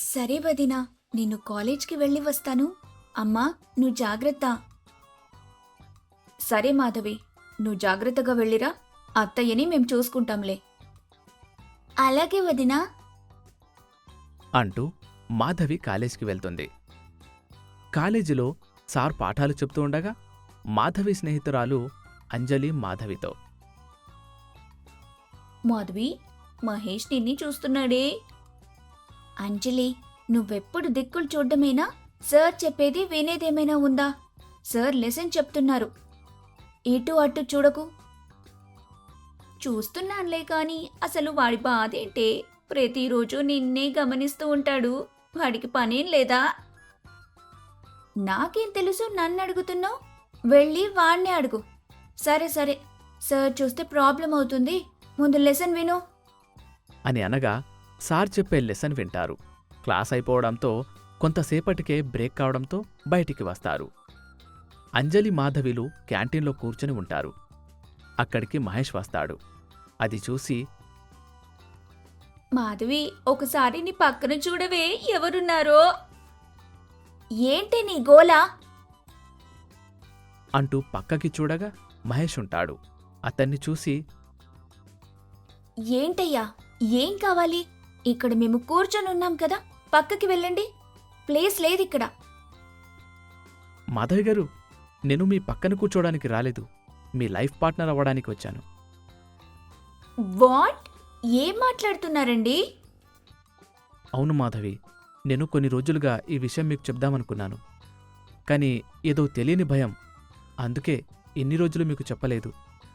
సరే వదినా, నేను కాలేజ్కి వెళ్ళి వస్తాను. అమ్మా, నువ్వు జాగ్రత్త. సరే మాధవి, నువ్వు జాగ్రత్తగా వెళ్ళిరా. అత్తయ్యని మేం చూసుకుంటాంలే. అలాగే వదినా. అంటూ మాధవి కాలేజీకి వెళ్తుంది. కాలేజీలో సార్ పాఠాలు చెప్తూ ఉండగా మాధవి స్నేహితురాలు అంజలి మాధవితో, మాధవి, మహేష్ నిన్ని చూస్తున్నాడే. అంజలి, నువ్వెప్పుడు దిక్కులు చూడ్డమేనా? సార్ చెప్పేది వినేదేమైనా ఉందా? సార్ లెసన్ చెప్తున్నారు. ఇటు అటు చూడకు. చూస్తున్నానులే కాని అసలు వాడి బాధేంటే? ప్రతిరోజు నిన్నే గమనిస్తూ ఉంటాడు. వాడికి పనేం లేదా? నాకేం తెలుసు నన్ను అడుగుతున్నావు? వెళ్ళి వాణ్ణే అడుగు. సరే సరే, సార్ చూస్తే ప్రాబ్లం అవుతుంది. ముందు లెసన్ విను. అని అనగా సార్ చెప్పే లెసన్ వింటారు. క్లాస్ అయిపోవడంతో కొంతసేపటికే బ్రేక్ కావడంతో బయటికి వస్తారు. అంజలి మాధవిలు క్యాంటీన్లో కూర్చుని ఉంటారు. అక్కడికి మహేష్ వస్తాడు. అది చూసి, మాధవి, ఒకసారి నీ పక్కన చూడవే, ఎవరున్నారో. ఏంటి నీ గోలా? అంటూ పక్కకి చూడగా మహేష్ ఉంటాడు. అతన్ని చూసి, ఏంటయ్యా, ఏం కావాలి? ఇక్కడ మేము కూర్చొని ఉన్నాం కదా, పక్కకి వెళ్ళండి. ప్లేస్ లేదిక్కడ. మాధవి గారు, నేను మీ పక్కన కూర్చోడానికి రాలేదు, మీ లైఫ్ పార్ట్నర్ అవ్వడానికి వచ్చాను. వాట్? ఏం మాట్లాడుతున్నారండి? అవును మాధవి, నేను కొన్ని రోజులుగా ఈ విషయం మీకు చెప్దామనుకున్నాను. కానీ ఏదో తెలియని భయం, అందుకే ఇన్ని రోజులు మీకు చెప్పలేదు.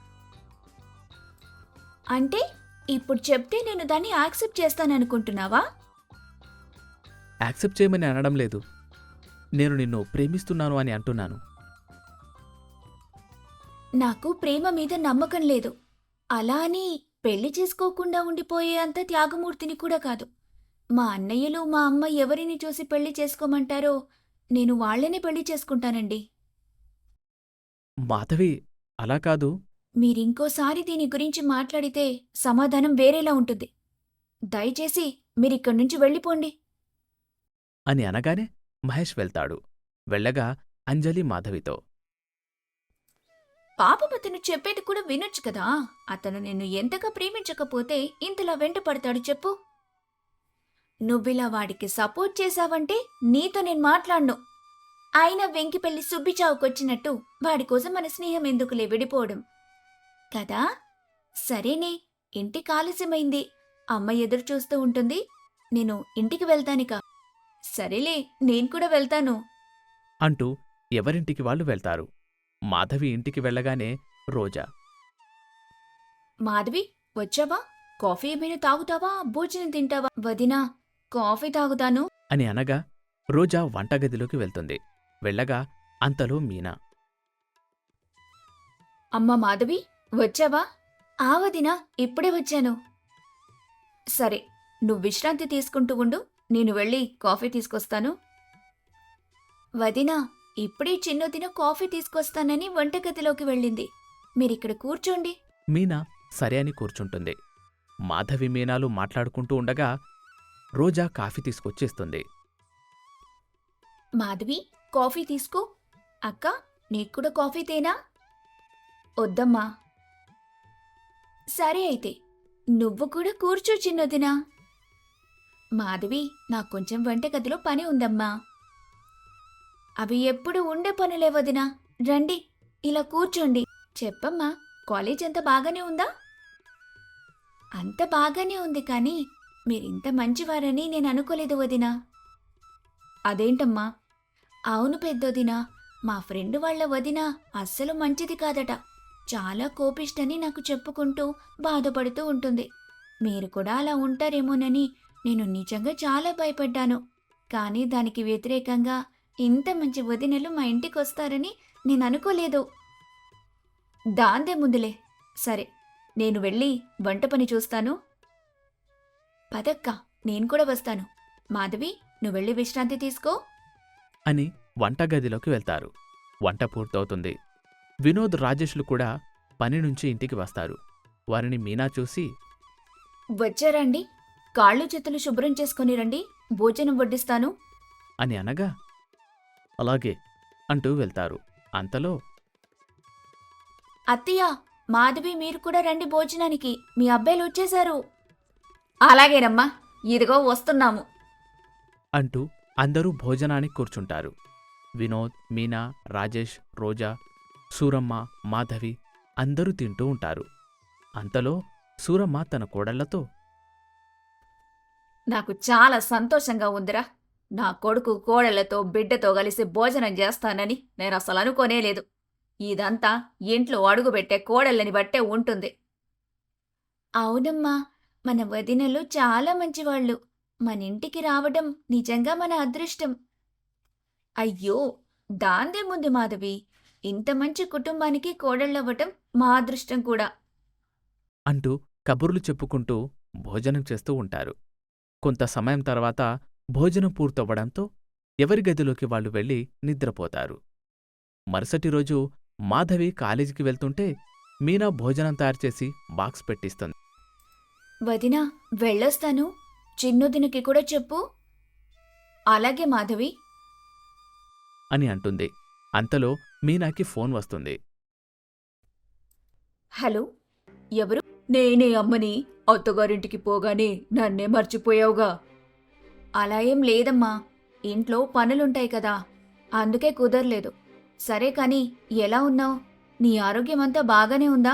అంటే ఇప్పుడు చెప్తే నేను దాన్ని యాక్సెప్ట్ చేస్తాననుకుంటున్నావా? యాక్సెప్ట్ చేయమని అనడం లేదు, నేను నిన్ను ప్రేమిస్తున్నాను అని అంటున్నాను. నాకు ప్రేమ మీద నమ్మకం లేదు. అలా అని పెళ్లి చేసుకోకుండా ఉండిపోయే అంత త్యాగమూర్తిని కూడా కాదు. మా అన్నయ్యలు, మా అమ్మ ఎవరిని చూసి పెళ్లి చేసుకోమంటారో నేను వాళ్లనే పెళ్లి చేసుకుంటానండి. మాధవి, అలా కాదు. మీరింకోసారి దీని గురించి మాట్లాడితే సమాధానం వేరేలా ఉంటుంది. దయచేసి మీరిక్కడి నుంచి వెళ్ళిపోండి. అని అనగానే మహేష్ వెళ్తాడు. వెళ్ళగా అంజలి మాధవితో, పాపం అతను చెప్పేది కూడా వినొచ్చు కదా. అతను నిన్ను ఎంతగా ప్రేమించకపోతే ఇంతలా వెంట పడతాడు చెప్పు? నువ్విలా వాడికి సపోర్ట్ చేశావంటే నీతో నేను మాట్లాడ్ను. అయినా వెంకి పెళ్లి సుబ్బిచావుకొచ్చినట్టు వాడి కోసం మన స్నేహం ఎందుకులే విడిపోవడం కదా. సరేనే, ఇంటికి ఆలస్యమైంది. అమ్మ ఎదురు చూస్తూ ఉంటుంది. నేను ఇంటికి వెళ్తానిక. సరేలే, నేను కూడా వెళ్తాను. అంటూ ఎవరింటికి వాళ్ళు వెళ్తారు. మాధవి ఇంటికి వెళ్ళగానే రోజా, మాధవి, వచ్చావా? కాఫీ ఏమైనా తాగుతావా? భోజనం తింటావా? వదినా, కాఫీ తాగుతాను. అని అనగా రోజా వంటగదిలోకి వెళ్తుంది. వెళ్ళగా అంతలో మీనా, అమ్మ మాధవి, వచ్చావా? ఆ వదినా, ఇప్పుడే వచ్చాను. సరే, నువ్వు విశ్రాంతి తీసుకుంటూ ఉండు, నేను వెళ్ళి కాఫీ తీసుకొస్తాను. వదినా, ఇప్పుడే చిన్నదిన కాఫీ తీసుకొస్తానని వంటగదిలోకి వెళ్ళింది. మీరిక్కడ కూర్చోండి. మీనా సరే అని కూర్చుంటుంది. మాధవి మీనాలు మాట్లాడుకుంటూ ఉండగా రోజా కాఫీ తీసుకొచ్చేస్తుంది. మాధవి, కాఫీ తీసుకో. అక్క, నీక్కూడా కాఫీ తేనా? వద్దమ్మా. సరే అయితే, నువ్వు కూడా కూర్చో చిన్నదినా. మాధవి, నాకు కొంచెం వంటగదిలో పని ఉందమ్మా. అవి ఎప్పుడు ఉండే పనులే వదినా. రండి, ఇలా కూర్చోండి. చెప్పమ్మా, కాలేజ్ అంత బాగానే ఉందా? అంత బాగానే ఉంది, కానీ మీరింత మంచివారని నేను అనుకోలేదు వదినా. అదేంటమ్మా? అవును పెద్దొదినా, మా ఫ్రెండ్ వాళ్ళ వదిన అస్సలు మంచిది కాదట. చాలా కోపిష్టని నాకు చెప్పుకుంటూ బాధపడుతూ ఉంటుంది. మీరు కూడా అలా ఉంటారేమోనని నేను నిజంగా చాలా భయపడ్డాను. కానీ దానికి వ్యతిరేకంగా ఇంత మంచి వదినలు మా ఇంటికి వస్తారని నేను అనుకోలేదు. దాందే ముందులే. సరే, నేను వెళ్ళి వంట పని చూస్తాను. పదక్క, నేను కూడా వస్తాను. మాధవి, నువ్వు వెళ్ళి విశ్రాంతి తీసుకో. అని వంటగదిలోకి వెళ్తారు. వంట పూర్తవుతుంది. వినోద్, రాజేష్లు కూడా పని నుంచి ఇంటికి వస్తారు. వారిని మీనా చూసి, వచ్చారండి? కాళ్ళు చేతులు శుభ్రం చేసుకొని రండి, భోజనం వడ్డిస్తాను. అని అనగా అలాగే అంటూ వెళ్తారు. అంతలో అత్తయ్య, మాధవి మీరు కూడా రండి భోజనానికి, మీ అబ్బాయిలు వచ్చేశారు. అలాగేనమ్మా, ఇదిగో వస్తున్నాము. అంటూ అందరూ భోజనానికి కూర్చుంటారు. వినోద్, మీనా, రాజేష్, రోజా, సూరమ్మ, మాధవి అందరూ తింటూ ఉంటారు. అంతలో సూరమ్మ తన కోడళ్లతో నాకు చాలా సంతోషంగా ఉందిరా. నా కొడుకు కోడళ్లతో బిడ్డతో కలిసి భోజనం చేస్తానని నేను అసలు అనుకోనేలేదు. ఇదంతా ఇంట్లో అడుగుపెట్టే కోడళ్ళని బట్టే ఉంటుంది. అవునమ్మా, మన వదినలు చాలా మంచివాళ్ళు. మన ఇంటికి రావడం నిజంగా మన అదృష్టం. అయ్యో, దాందేముంది మాధవి, ఇంత మంచి కుటుంబానికి కోడళ్ళవ్వటం మా అదృష్టం కూడా. అంటూ కబుర్లు చెప్పుకుంటూ భోజనం చేస్తూ ఉంటారు. కొంత సమయం తర్వాత భోజనం పూర్తవ్వడంతో ఎవరి గదిలోకి వాళ్ళు వెళ్ళి నిద్రపోతారు. మరుసటి రోజు మాధవి కాలేజీకి వెళ్తుంటే మీనా భోజనం తయారుచేసి బాక్స్ పెట్టిస్తుంది. వదినా, వెళ్ళొస్తాను. చిన్నొదినకి కూడా చెప్పు. అలాగే మాధవి. అని అంటుంది. అంతలో మీనాకి ఫోన్ వస్తుంది. హలో, ఎవరు? నేనే అమ్మని. అత్తగారింటికి పోగానే నన్నే మర్చిపోయావుగా. అలా ఏం లేదమ్మా, ఇంట్లో పనులుంటాయి కదా, అందుకే కుదరలేదు. సరే కాని ఎలా ఉన్నావు? నీ ఆరోగ్యమంతా బాగానే ఉందా?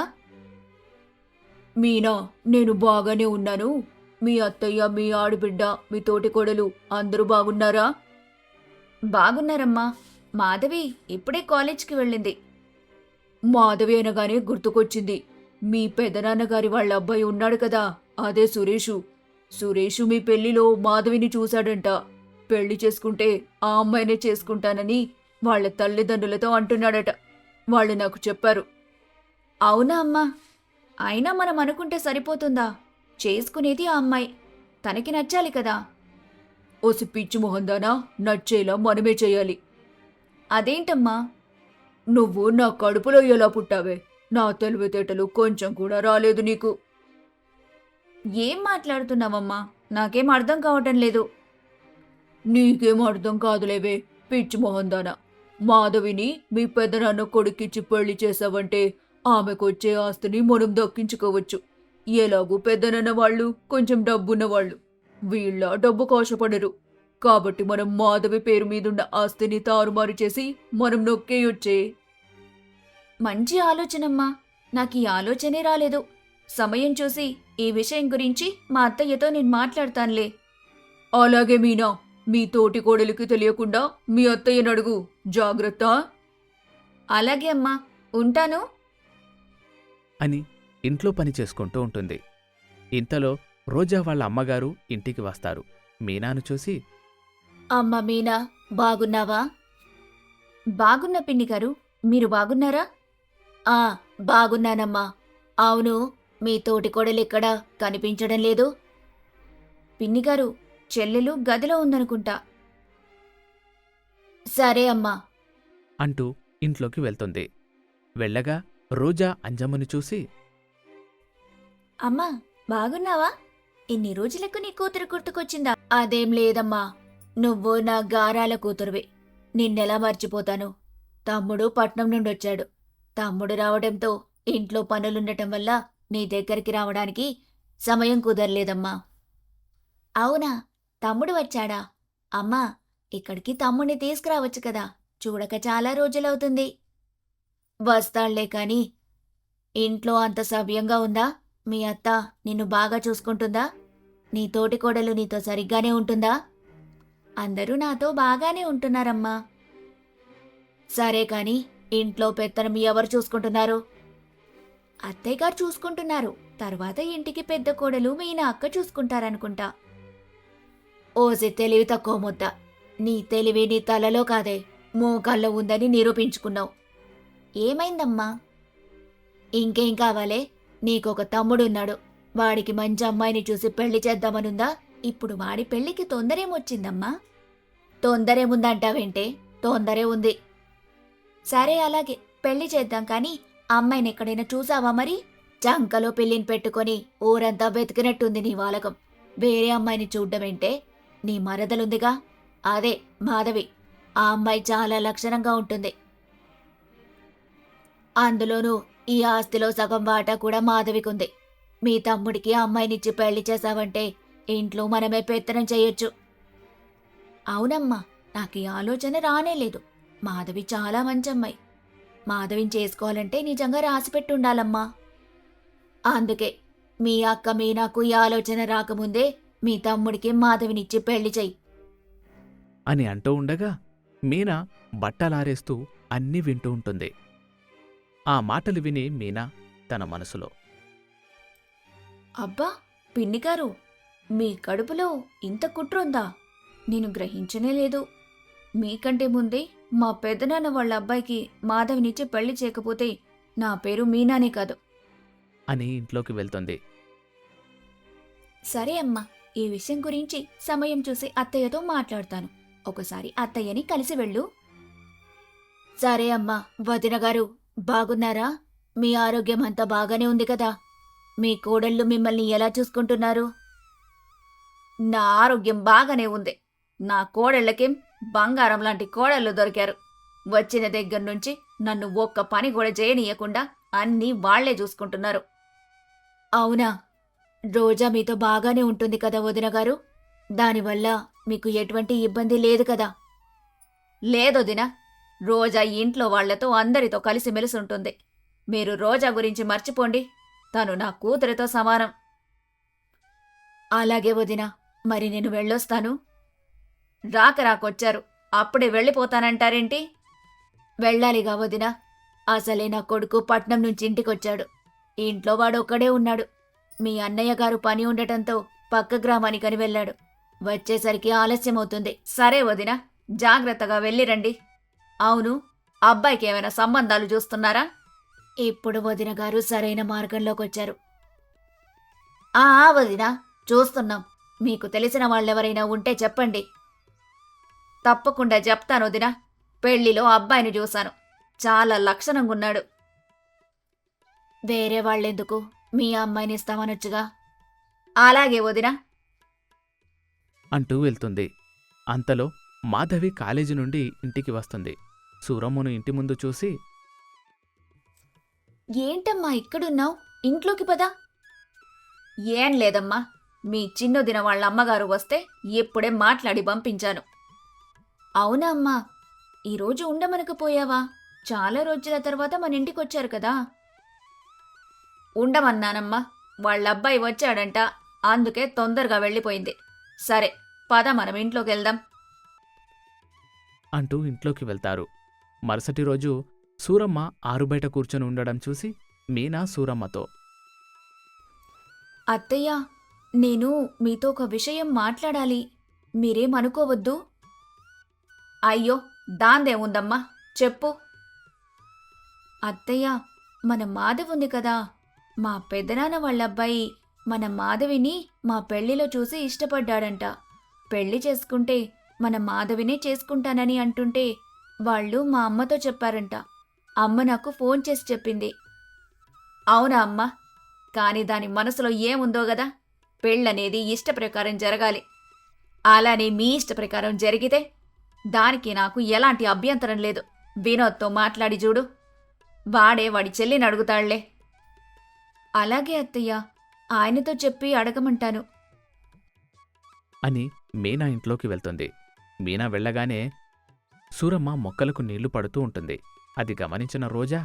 మీనా, నేను బాగానే ఉన్నాను. మీ అత్తయ్య, మీ ఆడబిడ్డ, మీ తోటికోడలు అందరూ బాగున్నారా? బాగున్నారమ్మా. మాధవి ఇప్పుడే కాలేజ్కి వెళ్ళింది. మాధవి అనగానే గుర్తుకొచ్చింది. మీ పెదనాన్నగారి వాళ్ళ అబ్బాయి ఉన్నాడు కదా, అదే సురేషు. సురేషు మీ పెళ్లిలో మాధవిని చూశాడంట. పెళ్లి చేసుకుంటే ఆ అమ్మాయినే చేసుకుంటానని వాళ్ళ తల్లిదండ్రులతో అంటున్నాడట. వాళ్ళు నాకు చెప్పారు. అవునా అమ్మా? అయినా మనం అనుకుంటే సరిపోతుందా? చేసుకునేది ఆ అమ్మాయి, తనకి నచ్చాలి కదా. ఓసి పిచ్చి మొహందానా, నచ్చేలా మనమే చెయ్యాలి. అదేంటమ్మా? నువ్వు నా కడుపులో ఎలా పుట్టావే? నా తెలివితేటలు కొంచెం కూడా రాలేదు నీకు. ఏం మాట్లాడుతున్నావమ్మా? నాకేం అర్థం కావటం లేదు. నీకేం అర్థం కాదులేవే, పిచ్చి మొహందానా. మాధవిని మీ పెదనాన్న కొడుకిచ్చి పెళ్లి చేసావంటే ఆమెకొచ్చే ఆస్తిని మనం దక్కించుకోవచ్చు. ఎలాగూ పెద్దనన్న వాళ్ళు కొంచెం డబ్బున్నవాళ్ళు, వీళ్ళ డబ్బు కోశపడరు. కాబట్టి మనం మాధవి పేరు మీదున్న ఆస్తిని తారుమారు చేసి మనం నొక్కేయొచ్చే. మంచి ఆలోచనమ్మా, నాకు ఈ ఆలోచనే రాలేదు. సమయం చూసి ఈ విషయం గురించి మా అత్తయ్యతో నేను మాట్లాడతానులే. అలాగే మీనా, మీ తోటి కోడలికి తెలియకుండా మీ అత్తయ్యను అడుగు, జాగ్రత్త. అలాగే అమ్మా, ఉంటాను. అని ఇంట్లో పని చేసుకుంటూ ఉంటుంది. ఇంతలో రోజా వాళ్ళ అమ్మగారు ఇంటికి వస్తారు. మీనాను చూసి, అమ్మ మీనా, బాగున్నావా? బాగున్న పిన్ని గారు, మీరు బాగున్నారా? ఆ, బాగున్నానమ్మా. అవును, మీ తోటి కోడలిక్కడ కనిపించడం లేదు. పిన్నిగారు, చెల్లెలు గదిలో ఉందనుకుంటా. సరే అమ్మా అంటూ ఇంట్లోకి వెళ్తుంది. వెళ్ళగా రోజా అంజమ్మను చూసి, అమ్మా, బాగున్నావా? ఇన్ని రోజులకు నీ కూతురు గుర్తుకొచ్చిందా? అదేం లేదమ్మా, నువ్వు నా గారాల కూతురువి. నిన్నెలా మర్చిపోతాను? తమ్ముడు పట్నం నుండొచ్చాడు. తమ్ముడు రావడంతో ఇంట్లో పనులుండటం వల్ల నీ దగ్గరికి రావడానికి సమయం కుదరలేదమ్మా. అవునా, తమ్ముడు వచ్చాడా? అమ్మా, ఇక్కడికి తమ్ముడిని తీసుకురావచ్చు కదా, చూడక చాలా రోజులవుతుంది. వస్తాళ్లే కాని ఇంట్లో అంత సవ్యంగా ఉందా? మీ అత్త నిన్ను బాగా చూసుకుంటుందా? నీ తోటి కోడలు నీతో సరిగ్గానే ఉంటుందా? అందరూ నాతో బాగానే ఉంటున్నారమ్మా. సరే కాని ఇంట్లో పెత్తనం ఎవరు చూసుకుంటున్నారు? అత్తయ్య గారు చూసుకుంటున్నారు. తర్వాత ఇంటికి పెద్ద కోడలు మీనా అక్క చూసుకుంటారనుకుంటా. ఓసి తెలివి తక్కువ ముద్ద, నీ తెలివి నీ తలలో కాదే, మోకాల్లో ఉందని నిరూపించుకున్నావు. ఏమైందమ్మా? ఇంకేం కావాలే? నీకొక తమ్ముడున్నాడు. వాడికి మంచి అమ్మాయిని చూసి పెళ్లి చేద్దామనుందా? ఇప్పుడు వాడి పెళ్లికి తొందరేమొచ్చిందమ్మా? తొందరేముందంటావేంటే? తొందరే ఉంది. సరే అలాగే పెళ్లి చేద్దాం కాని అమ్మాయిని ఎక్కడైనా చూసావా మరి? చంకలో పెళ్లిని పెట్టుకొని ఊరంతా వెతికినట్టుంది నీ వాలకం. వేరే అమ్మాయిని చూడ్డమేంటే? నీ మరదలుందిగా, అదే మాధవి. ఆ అమ్మాయి చాలా లక్షణంగా ఉంటుంది. అందులోనూ ఈ ఆస్తిలో సగం వాటా కూడా మాధవికుంది. మీ తమ్ముడికి ఆ అమ్మాయినిచ్చి పెళ్లి చేశావంటే ఇంట్లో మనమే పెత్తనం చెయ్యొచ్చు. అవునమ్మా, నాకు ఈ ఆలోచన రానేలేదు. మాధవి చాలా మంచమ్మాయి. మాధవిని చేసుకోవాలంటే నిజంగా రాసిపెట్టుండాలమ్మా. అందుకే మీ అక్క మీనాకు ఈ ఆలోచన రాకముందే మీ తమ్ముడికి మాధవినిచ్చి పెళ్లి చెయ్యి. అని అంటూ ఉండగా మీనా బట్టలారేస్తూ అన్నీ వింటూ ఉంటుంది. ఆ మాటలు విని మీనా తన మనసులో, అబ్బా పిన్నిగారు, మీ కడుపులో ఇంత కుట్రుందా? నేను గ్రహించనే లేదు. మీకంటే ముందే మా పెదనాన్న వాళ్ళ అబ్బాయికి మాధవినిచ్చి పెళ్లి చేయకపోతే నా పేరు మీనానే కాదు. అని ఇంట్లోకి వెళ్తుంది. సరే అమ్మా, ఈ విషయం గురించి సమయం చూసి అత్తయ్యతో మాట్లాడతాను. ఒకసారి అత్తయ్యని కలిసి వెళ్ళు. సరే అమ్మా. వదిన గారు బాగున్నారా? మీ ఆరోగ్యం అంతా బాగానే ఉంది కదా? మీ కోడళ్ళు మిమ్మల్ని ఎలా చూసుకుంటున్నారు? నా ఆరోగ్యం బాగానే ఉంది. నా కోడళ్ళకేం బంగారం లాంటి కోడళ్ళు దొరికారు. వచ్చిన దగ్గర నుంచి నన్ను ఒక్క పని కూడా చేయనీయకుండా అన్నీ వాళ్లే చూసుకుంటున్నారు. అవునా? రోజా మీతో బాగానే ఉంటుంది కదా వదిన గారు? దానివల్ల మీకు ఎటువంటి ఇబ్బంది లేదు కదా? లేదొదినా. రోజా ఇంట్లో వాళ్లతో అందరితో కలిసిమెలిసి ఉంటుంది. మీరు రోజా గురించి మర్చిపోండి. తను నా కూతురితో సమానం. అలాగే వదినా, మరి నేను వెళ్ళొస్తాను. రాకొచ్చారు, అప్పుడే వెళ్ళిపోతానంటారేంటి? వెళ్ళాలిగా వదినా. అసలే నా కొడుకు పట్నం నుంచి ఇంటికొచ్చాడు. ఇంట్లో వాడొక్కడే ఉన్నాడు. మీ అన్నయ్య గారు పని ఉండటంతో పక్క గ్రామానికని వెళ్ళాడు. వచ్చేసరికి ఆలస్యమవుతుంది. సరే వదినా, జాగ్రత్తగా వెళ్ళిరండి. అవును, అబ్బాయికి ఏమైనా సంబంధాలు చూస్తున్నారా? ఇప్పుడు వదిన గారు సరైన మార్గంలోకొచ్చారు. వదినా, చూస్తున్నాం. మీకు తెలిసిన వాళ్ళెవరైనా ఉంటే చెప్పండి. తప్పకుండా చెప్తాను వదినా. పెళ్లిలో అబ్బాయిని చూశాను. చాలా లక్షణంగున్నాడు. వేరే వాళ్ళెందుకు? మీ అమ్మాయిని ఇస్తామనొచ్చుగా. అలాగే వదినా అంటూ వెళ్తుంది. అంతలో మాధవి కాలేజీ నుండి ఇంటికి వస్తుంది. సూరమ్మను ఇంటి ముందు చూసి, ఏంటమ్మా ఇక్కడున్నావు? ఇంట్లోకి పదా. ఏం లేదమ్మా, మీ చిన్నదిన వాళ్ళ అమ్మగారు వస్తే ఇప్పుడే మాట్లాడి పంపించాను. అవునా అమ్మా? ఈరోజు ఉండమనకపోయావా? చాలా రోజుల తర్వాత మన ఇంటికొచ్చారు కదా. ఉండమన్నానమ్మా, వాళ్ళబ్బాయి వచ్చాడంట. అందుకే తొందరగా వెళ్ళిపోయింది. సరే పద, మనం ఇంట్లోకి వెళ్దాం అంటూ ఇంట్లోకి వెళ్తారు. మరుసటి రోజు సూరమ్మ ఆరుబయట కూర్చొని ఉండడం చూసి మీనా సూరమ్మతో, అత్తయ్య, నేను మీతో ఒక విషయం మాట్లాడాలి. మీరేమనుకోవద్దు. అయ్యో, దాందేముందమ్మా, చెప్పు. అత్తయ్య, మన మాధవ్ ఉంది కదా, మా పెదనాన్న వాళ్ళబ్బాయి మన మాధవిని మా పెళ్లిలో చూసి ఇష్టపడ్డాడంట. పెళ్లి చేసుకుంటే మన మాధవినే చేసుకుంటానని అంటుంటే వాళ్ళు మా అమ్మతో చెప్పారంట. అమ్మ నాకు ఫోన్ చేసి చెప్పింది. అవునా అమ్మా? కాని దాని మనసులో ఏముందో గదా. పెళ్ళనేది ఇష్టప్రకారం జరగాలి. అలానే మీ ఇష్టప్రకారం జరిగితే దానికి నాకు ఎలాంటి అభ్యంతరం లేదు. వినోద్తో మాట్లాడి చూడు. వాడే వాడి చెల్లిని అడుగుతాళ్లే. అలాగే అత్తయ్య, ఆయనతో చెప్పి అడగమంటాను అని మీనా ఇంట్లోకి వెళ్తుంది. మీనా వెళ్ళగానే సూరమ్మ మొక్కలకు నీళ్లు పడుతూ ఉంటుంది. అది గమనించిన రోజా,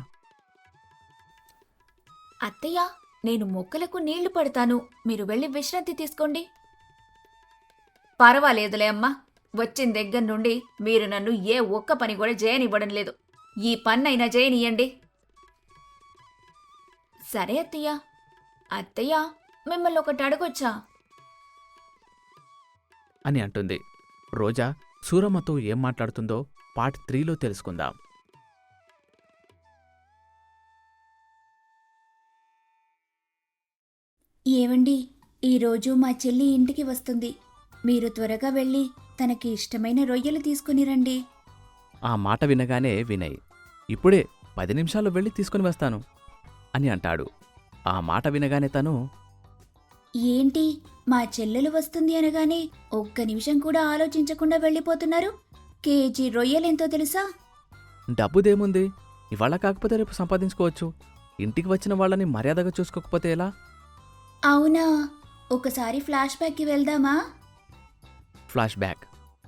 అత్తయ్య, నేను మొక్కలకు నీళ్లు పడతాను, మీరు వెళ్ళి విశ్రాంతి తీసుకోండి. పర్వాలేదులే అమ్మా. వచ్చిన దగ్గర నుండి మీరు నన్ను ఏ ఒక్క పని కూడా చేయనివ్వడం లేదు. ఈ పన్నైనా చేయనియండి. సరే అత్తయ్య. అత్తయ్య, మిమ్మల్ని ఒకటి అడగొచ్చా? అని అంటుంది. రోజా సూరమ్మతో ఏం మాట్లాడుతుందో పార్ట్ 3లో తెలుసుకుందాం. ఏవండి, ఈరోజు మా చెల్లి ఇంటికి వస్తుంది. మీరు త్వరగా వెళ్ళి తనకి ఇష్టమైన రొయ్యలు తీసుకుని రండి. ఆ మాట వినగానే వినయ్, ఇప్పుడే 10 నిమిషాల్లో వెళ్ళి తీసుకుని వస్తాను అని అంటాడు. ఆ మాట వినగానే తను, ఏంటి, మా చెల్లెలు వస్తుంది అనగానే ఒక్క నిమిషం కూడా ఆలోచించకుండా వెళ్ళిపోతున్నారు? కేజీ రొయ్యలెంతో తెలుసా? డబ్బుదేముంది, ఇవాళ కాకపోతే రేపు సంపాదించుకోవచ్చు. ఇంటికి వచ్చిన వాళ్ళని మర్యాదగా చూసుకోకపోతే ఎలా? అవునా? ఒకసారి ఫ్లాష్ బ్యాక్కి వెళ్దామా? Flash back.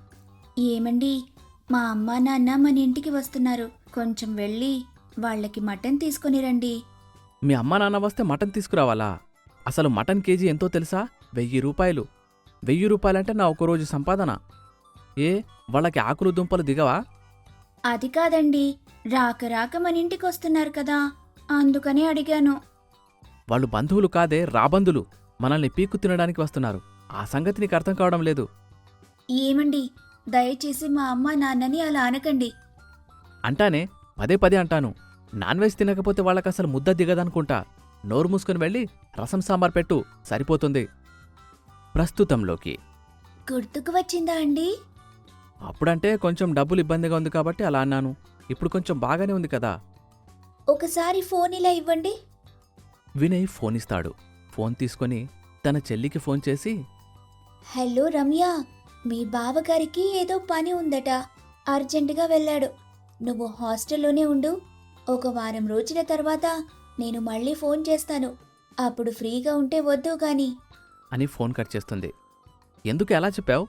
ఏమండి, మా అమ్మా నాన్న మన ఇంటికి వస్తున్నారు. కొంచెం వెళ్ళి వాళ్ళకి మటన్ తీసుకొని రండి. మీ అమ్మా నాన్న వస్తే మటన్ తీసుకురావాలా? అసలు మటన్ కేజీ ఎంతో తెలుసా? 1000 రూపాయలు. 1000 రూపాయలంటే నా ఒక రోజు సంపాదన. ఏ, వాళ్ళకి ఆకులు దుంపలు దిగవా? అది కాదండి, రాక రాక మన ఇంటికి వస్తున్నారు కదా, అందుకనే అడిగాను. వాళ్ళు బంధువులు కాదే, రాబందులు. మనల్ని పీక్కు తినడానికి వస్తున్నారు. ఆ సంగతి నీకు అర్థం కావడం లేదు. ఏమండి, దయచేసి మా అమ్మా నాన్నని అలా అనకండి. అంటానే, పదే పదే అంటాను. నాన్ వెజ్ తినకపోతే వాళ్ళకసలు ముద్ద దిగదనుకుంటా. నోరు మూసుకుని వెళ్ళి రసం సాంబార్ పెట్టు, సరిపోతుంది. ప్రస్తుతంలోకి. గుర్తుకు వచ్చిందా అండి? అప్పుడంటే కొంచెం డబ్బులు ఇబ్బందిగా ఉంది కాబట్టి అలా అన్నాను. ఇప్పుడు కొంచెం బాగానే ఉంది కదా. ఒకసారి ఫోన్ ఇలా ఇవ్వండి. వినయ్ ఫోన్ ఇస్తాడు. ఫోన్ తీసుకొని తన చెల్లికి ఫోన్ చేసి, హలో రమ్య, మీ బావగారికి ఏదో పని ఉందట, అర్జెంటుగా వెళ్ళాడు. నువ్వు హాస్టల్లోనే ఉండు. ఒక వారం రోజుల తర్వాత నేను మళ్ళీ ఫోన్ చేస్తాను. అప్పుడు ఫ్రీగా ఉంటే వద్దు గాని. అని ఫోన్ కట్ చేస్తుంది. ఎందుకు ఎలా చెప్పావు?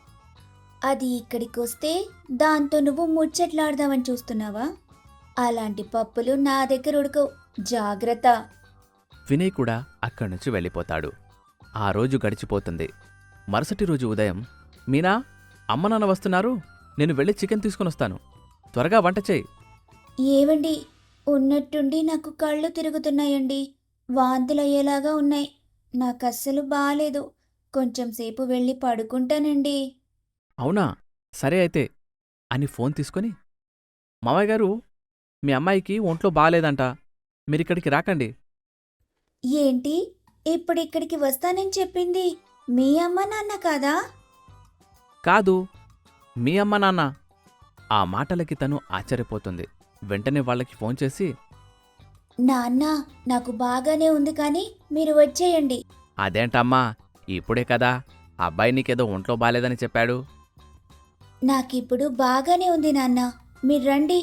అది ఇక్కడికొస్తే దాంతో నువ్వు ముచ్చట్లాడదామని చూస్తున్నావా? అలాంటి పప్పులు నా దగ్గర ఉడకవు, జాగ్రత్త. వినయ్ కూడా అక్కడి నుంచి వెళ్ళిపోతాడు. ఆ రోజు గడిచిపోతుంది. మరుసటి రోజు ఉదయం, మీనా, అమ్మ నాన్న వస్తున్నారు, నేను వెళ్ళి చికెన్ తీసుకునొస్తాను, త్వరగా వంట చేయి. ఏవండి, ఉన్నట్టుండి నాకు కళ్ళు తిరుగుతున్నాయండి, వాంతులయ్యేలాగా ఉన్నాయి. నాకస్సలు బాలేదు. కొంచెం సేపు వెళ్ళి పడుకుంటానండి. అవునా, సరే అయితే అని ఫోన్ తీసుకొని, మామయ్య గారు, మీ అమ్మాయికి ఒంట్లో బాగాలేదంట, మీరిక్కడికి రాకండి. ఏంటి, ఇప్పుడిక్కడికి వస్తానని చెప్పింది మీ అమ్మ నాన్న కాదా? కాదు, మీ అమ్మ నాన్న. ఆ మాటలకి తను ఆశ్చర్యపోతుంది. వెంటనే వాళ్ళకి ఫోన్ చేసి, నాన్న, నాకు బాగానే ఉంది కానీ మీరు వచ్చేయండి. అదేంటమ్మా, ఇప్పుడే కదా అబ్బాయి నీకేదో ఒంట్లో బాలేదని చెప్పాడు. నాకిప్పుడు బాగానే ఉంది నాన్న, మీరు రండి.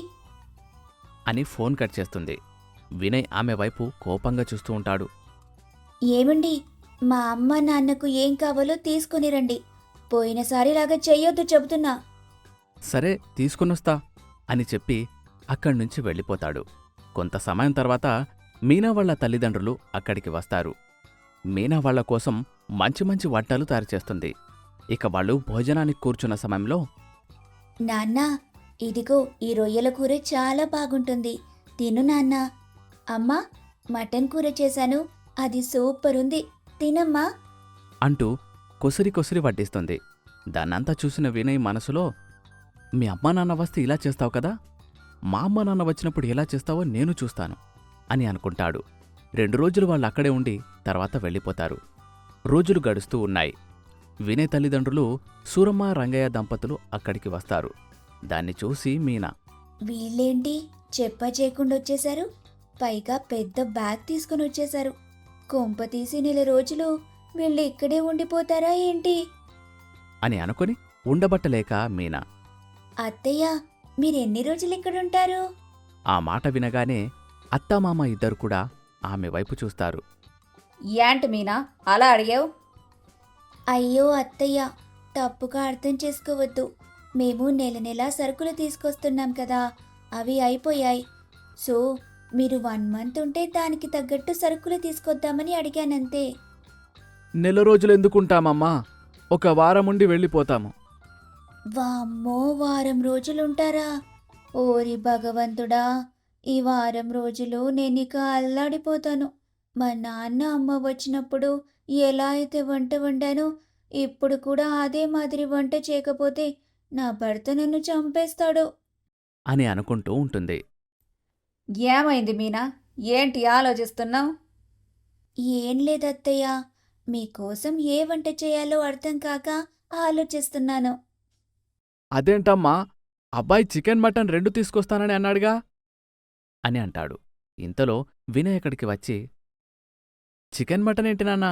అని ఫోన్ కట్ చేస్తుంది. వినయ్ ఆమె వైపు కోపంగా చూస్తూ ఉంటాడు. ఏమండి, మా అమ్మ నాన్నకు ఏం కావాలో తీసుకుని రండి. పోయినసారిలాగా చెయ్యొద్దు చెబుతున్నా. సరే, తీసుకునొస్తా అని చెప్పి అక్కడ్నుంచి వెళ్ళిపోతాడు. కొంత సమయం తర్వాత మీనా వాళ్ళ తల్లిదండ్రులు అక్కడికి వస్తారు. మీనా వాళ్ళ కోసం మంచి మంచి వంటలు తయారుచేస్తుంది. ఇక వాళ్ళు భోజనానికి కూర్చున్న సమయంలో, నాన్న, ఇదిగో ఈ రొయ్యల కూర చాలా బాగుంటుంది, తిను నాన్న. అమ్మా, మటన్ కూర చేశాను, అది సూపర్ ఉంది, తినమ్మా. అంటూ కొసిరి కొసిరి వడ్డిస్తుంది. దాన్నంతా చూసిన వినయ్ మనసులో, మీ అమ్మా నాన్న వస్తే ఇలా చేస్తావు కదా, మా అమ్మా నాన్న వచ్చినప్పుడు ఎలా చేస్తావో నేను చూస్తాను అని అనుకుంటాడు. 2 రోజులు వాళ్ళు అక్కడే ఉండి తర్వాత వెళ్ళిపోతారు. రోజులు గడుస్తూ ఉన్నాయి. వినయ్ తల్లిదండ్రులు సూరమ్మ రంగయ్య దంపతులు అక్కడికి వస్తారు. దాన్ని చూసి మీనా, వీళ్ళేంటి చెప్పా చేయకుండా వచ్చేశారు? పైగా పెద్ద బ్యాగ్ తీసుకుని వచ్చేశారు. కొంప తీసి 1 రోజులు వీళ్ళు ఇక్కడే ఉండిపోతారా ఏంటి? అని అనుకుని ఉండబట్టలేక మీనా, అత్తయ్య, మీరెన్ని రోజులు ఇక్కడుంటారు? ఆ మాట వినగానే అత్తామామ ఇద్దరు కూడా ఆమె వైపు చూస్తారు. ఏంటి మీనా అలా అడిగావు? అయ్యో అత్తయ్య, తప్పుగా అర్థం చేసుకోవద్దు. మేము నెల నెలా సరుకులు తీసుకొస్తున్నాం కదా, అవి అయిపోయాయి. సో మీరు 1 మంత్ ఉంటే దానికి తగ్గట్టు సరుకులు తీసుకొద్దామని అడిగానంతే. నెల రోజులు ఎందుకుంటామమ్మా, ఒక వారముండి వెళ్ళిపోతాము. వామ్మో, వారం రోజులుంటారా? ఓరి భగవంతుడా, ఈ వారం రోజులు నేనిక అల్లాడిపోతాను. మా నాన్న అమ్మ వచ్చినప్పుడు ఎలా అయితే వంట వండానో ఇప్పుడు కూడా అదే మాదిరి వంట చేయకపోతే నా భర్త నన్ను చంపేస్తాడు. అని అనుకుంటూ ఉంటుంది. ఏమైంది మీనా, ఏంటి ఆలోచిస్తున్నావు? ఏం లేదత్తయ్య, మీకోసం ఏ వంట చేయాలో అర్థం కాక ఆలోచిస్తున్నాను. అదేంటమ్మా, అబ్బాయి చికెన్ మటన్ 2 తీసుకొస్తానని అన్నాడుగా అని అంటాడు. ఇంతలో వినయ్ అక్కడికి వచ్చి, చికెన్ మటన్ ఏంటి నాన్నా,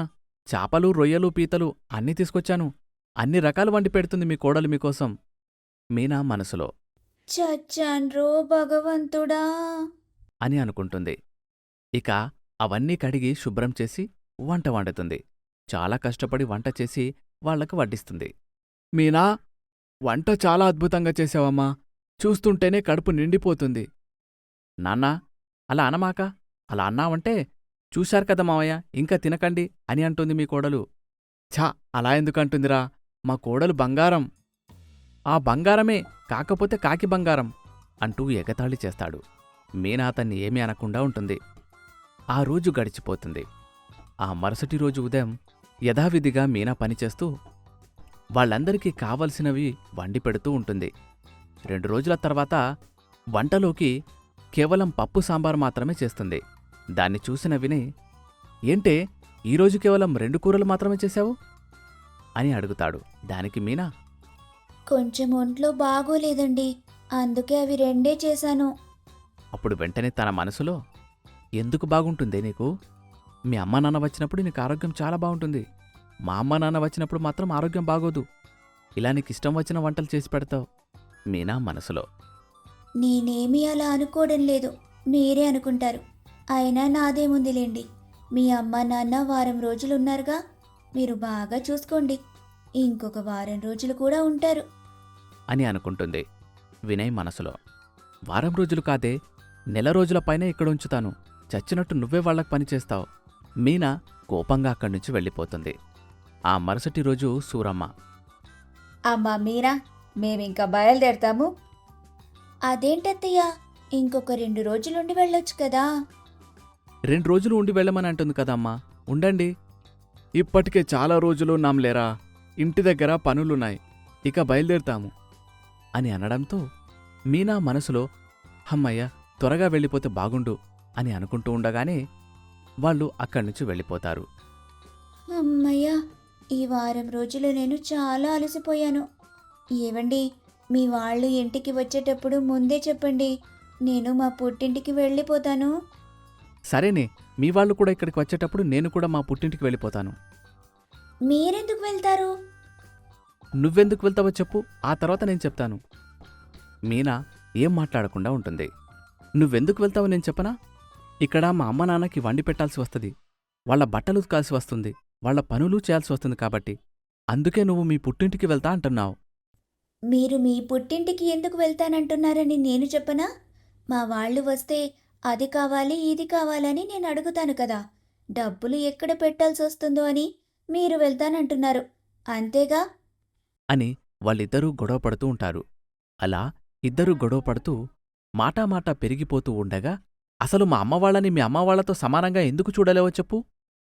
చాపలు రొయ్యలు పీతలు అన్నీ తీసుకొచ్చాను. అన్ని రకాలు వండి పెడుతుంది మీ కోడలు మీకోసం. మీనా మనసులో చచ్చాన్రో భగవంతుడా. అని అనుకుంటుంది. ఇక అవన్నీ కడిగి శుభ్రం చేసి వంట వండుతుంది. చాలా కష్టపడి వంట చేసి వాళ్లకు వడ్డిస్తుంది. మీనా, వంట చాలా అద్భుతంగా చేశావమ్మా. చూస్తుంటేనే కడుపు నిండిపోతుంది. నాన్నా, అలా అనమాక. అలా అన్నావంటే చూశారు కదా మావయ్య, ఇంకా తినకండి అని అంటుంది మీ కోడలు. ఛా, అలా ఎందుకంటుందిరా? మా కోడలు బంగారం. ఆ బంగారమే, కాకపోతే కాకి బంగారం అంటూ ఎగతాళి చేస్తాడు. మీనా అతన్ని ఏమీ అనకుండా ఉంటుంది. ఆ రోజు గడిచిపోతుంది. ఆ మరుసటి రోజు ఉదయం యథావిధిగా మీనా పనిచేస్తూ వాళ్ళందరికీ కావలసినవి వండి పెడుతూ ఉంటుంది. 2 రోజుల తర్వాత వంటలోకి కేవలం పప్పు సాంబారు మాత్రమే చేస్తుంది. దాన్ని చూసిన వినయ్, ఏంటే ఈరోజు కేవలం 2 కూరలు మాత్రమే చేశావు అని అడుగుతాడు. దానికి మీనా, కొంచెం ఒంట్లో బాగోలేదండి, అందుకే అవి 2 చేశాను. అప్పుడు వెంటనే తన మనసులో, ఎందుకు బాగుంటుందే నీకు? మీ అమ్మా నాన్న వచ్చినప్పుడు నీకు ఆరోగ్యం చాలా బాగుంటుంది. మా అమ్మా నాన్న వచ్చినప్పుడు మాత్రం ఆరోగ్యం బాగోదు. ఇలా నీకిష్టం వచ్చిన వంటలు చేసి పెడతావు. మీనా మనసులో. నేనేమీ అలా అనుకోవడం లేదు, మీరే అనుకుంటారు. అయినా నాదేముందిలేండి, మీ అమ్మ నాన్న వారం రోజులున్నారుగా, మీరు బాగా చూసుకోండి. ఇంకొక వారం రోజులు కూడా ఉంటారు అని అనుకుంటుంది. వినయ్ మనసులో, వారం రోజులు కాదే, నెల రోజుల పైనే ఇక్కడ ఉంచుతాను. చచ్చినట్టు నువ్వే వాళ్లకు పనిచేస్తావు. మీనా కోపంగా అక్కడ్నుంచి వెళ్ళిపోతుంది. ఆ మరుసటి రోజు సూరమ్మ, అమ్మా మీరా, మేమింకా బయలుదేరతాము. అదేంటత్తయ్యా, ఇంకొక 2 రోజులుండి వెళ్ళొచ్చు కదా. 2 రోజులు ఉండి వెళ్ళమని అంటుంది కదమ్మా, ఉండండి. ఇప్పటికే చాలా రోజులు ఉన్నాంలేరా, ఇంటి దగ్గర పనులున్నాయి, ఇక బయలుదేరుతాము అని అనడంతో మీనా మనసులో, హమ్మయ్య, త్వరగా వెళ్ళిపోతే బాగుండు అని అనుకుంటూ ఉండగానే వాళ్ళు అక్కడ్నుంచి వెళ్ళిపోతారు. అమ్మయ్యా, ఈ వారం రోజులు నేను చాలా అలసిపోయాను. ఏవండి, మీ వాళ్ళు ఇంటికి వచ్చేటప్పుడు ముందే చెప్పండి, నేను మా పుట్టింటికి వెళ్ళిపోతాను. సరేనే, మీ వాళ్ళు కూడా ఇక్కడికి వచ్చేటప్పుడు నేను కూడా మా పుట్టింటికి వెళ్ళిపోతాను. మీరెందుకు వెళ్తారు? నువ్వెందుకు వెళ్తావో చెప్పు, ఆ తర్వాత నేను చెప్తాను. మీనా ఏం మాట్లాడకుండా ఉంటుంది. నువ్వెందుకు వెళ్తావో నేను చెప్పనా? ఇక్కడ మా అమ్మ నాన్నకి వండి పెట్టాల్సి వస్తుంది, వాళ్ల బట్టలు ఉతకాల్సి వస్తుంది, వాళ్ల పనులు చేయాల్సి వస్తుంది కాబట్టి అందుకే నువ్వు మీ పుట్టింటికి వెళ్తా అంటున్నావు. మీరు మీ పుట్టింటికి ఎందుకు వెళ్తానంటున్నారని నేను చెప్పనా? మా వాళ్ళు వస్తే అది కావాలి ఇది కావాలని నేను అడుగుతాను కదా, డబ్బులు ఎక్కడ పెట్టాల్సి వస్తుందో అని మీరు వెళ్తానంటున్నారు, అంతేగా అని వాళ్ళిద్దరూ గొడవపడుతూ ఉంటారు. అలా ఇద్దరూ గొడవపడుతూ మాటామాటా పెరిగిపోతూ ఉండగా, అసలు మా అమ్మవాళ్ళని మీ అమ్మవాళ్లతో సమానంగా ఎందుకు చూడలేవో చెప్పు?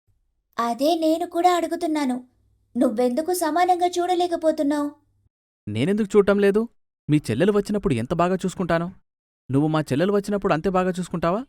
అదే నేను కూడా అడుగుతున్నాను. నువ్వెందుకు సమానంగా చూడలేకపోతున్నావు? నేనెందుకు చూడటం లేదు? మీ చెల్లెలు వచ్చినప్పుడు ఎంత బాగా చూసుకుంటానో, నువ్వు మా చెల్లెలు వచ్చినప్పుడు అంతే బాగా చూసుకుంటావా?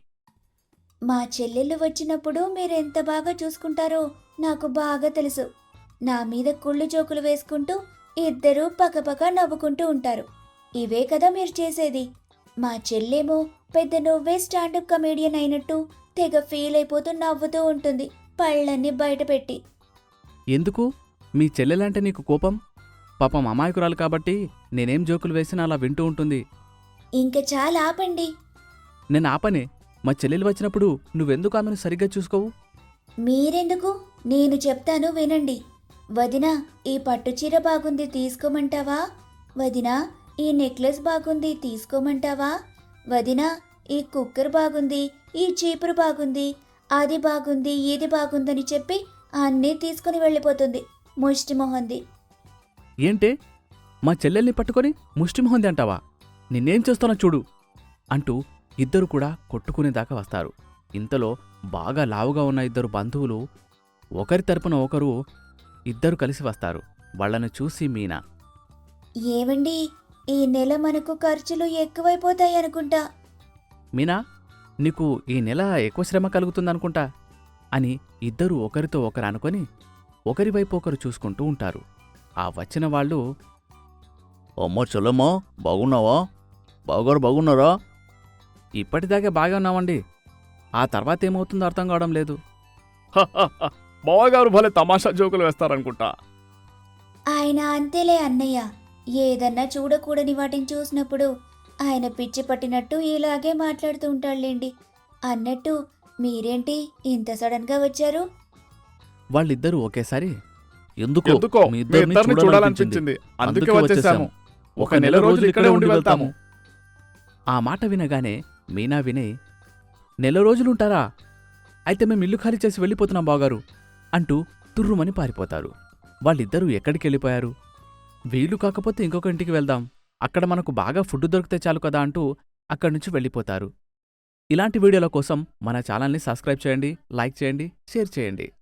మా చెల్లెళ్ళు వచ్చినప్పుడు మీరెంత బాగా చూసుకుంటారో నాకు బాగా తెలుసు. నా మీద కుళ్ళు జోకులు వేసుకుంటూ ఇద్దరూ పక్కపక్క నవ్వుకుంటూ ఉంటారు. ఇవే కదా మీరు చేసేది. మా చెల్లేమో పెద్ద నువ్వే స్టాండప్ కమేడియన్ అయినట్టు తెగ ఫీల్ అయిపోతూ నవ్వుతూ ఉంటుంది, పళ్ళన్నీ బయటపెట్టి. ఎందుకు? మీ చెల్లెలంటే నీకు కోపం? పాపం అమాయకురాలు కాబట్టి నేనేం జోకులు వేసినా అలా వింటూ ఉంటుంది. ఇంక చాలా ఆపండి. నేను ఆపనే. మా చెల్లెలు వచ్చినప్పుడు నువ్వెందుకు ఆమెను సరిగ్గా చూసుకోవు? మీరెందుకు? నేను చెప్తాను వినండి. వదినా, ఈ పట్టుచీర బాగుంది తీసుకోమంటావా? వదినా, ఈ నెక్లెస్ బాగుంది తీసుకోమంటావా? వదినా, ఈ కుక్కర్ బాగుంది, ఈ చీపురు బాగుంది, అది బాగుంది ఇది బాగుందని చెప్పి అన్నీ తీసుకుని వెళ్ళిపోతుంది, ముష్టిమొహంది. ఏంటే, మా చెల్లెల్ని పట్టుకొని ముష్టిమొహంది అంటావా? నిన్నేం చేస్తానో చూడు అంటూ ఇద్దరు కూడా కొట్టుకునేదాకా వస్తారు. ఇంతలో బాగా లావుగా ఉన్న ఇద్దరు బంధువులు ఒకరి తరపున ఒకరు ఇద్దరు కలిసి వస్తారు. వాళ్లను చూసి మీనా, ఏవండి, ఈ నెల మనకు ఖర్చులు ఎక్కువైపోతాయనుకుంటా. మీనా, నీకు ఈ నెల ఎక్కువ శ్రమ కలుగుతుందనుకుంటా అని ఇద్దరూ ఒకరితో ఒకరు అనుకొని ఒకరివైపు ఒకరు చూసుకుంటూ ఉంటారు. ఆ వచ్చిన వాళ్ళు, అమ్మో చెల్లమ్మా, బాగున్నావా? బాగున్నారా? ఇప్పటిదాకా బాగా ఉన్నామండి. ఆ తర్వాత ఏమవుతుందో అర్థం కావడం లేదు. బావగారు భలే తమాషా జోకులు వేస్తారనుకుంటా. ఆయన అంతేలే అన్నయ్య. ఏదన్నా చూడకూడని వాటిని చూసినప్పుడు ఆయన పిచ్చి పట్టినట్టు ఇలాగే మాట్లాడుతూ ఉంటాడులేండి. అన్నట్టు మీరేంటి ఇంత సడన్గా వచ్చారు? వాళ్ళిద్దరూ ఒకేసారి ఎందుకో మీ ఇద్దరిని చూడాలనిపించింది, అందుకే వచ్చేసాము. ఒక నెల రోజులు ఇక్కడే ఉండి వెళ్తాము. ఆ మాట వినగానే మీనా వినయ్, నెల రోజులుంటారా? అయితే మేము ఇల్లు ఖాళీ చేసి వెళ్ళిపోతున్నాం బావగారు అంటూ తుర్రుమని పారిపోతారు. వాళ్ళిద్దరూ ఎక్కడికి వెళ్ళిపోయారు? వీలు కాకపోతే ఇంకొక ఇంటికి వెళ్దాం, అక్కడ మనకు బాగా ఫుడ్ దొరికితే చాలు కదా అంటూ అక్కడి నుంచి వెళ్ళిపోతారు. ఇలాంటి వీడియోల కోసం మన ఛానల్ని సబ్స్క్రైబ్ చేయండి, లైక్ చేయండి, షేర్ చేయండి.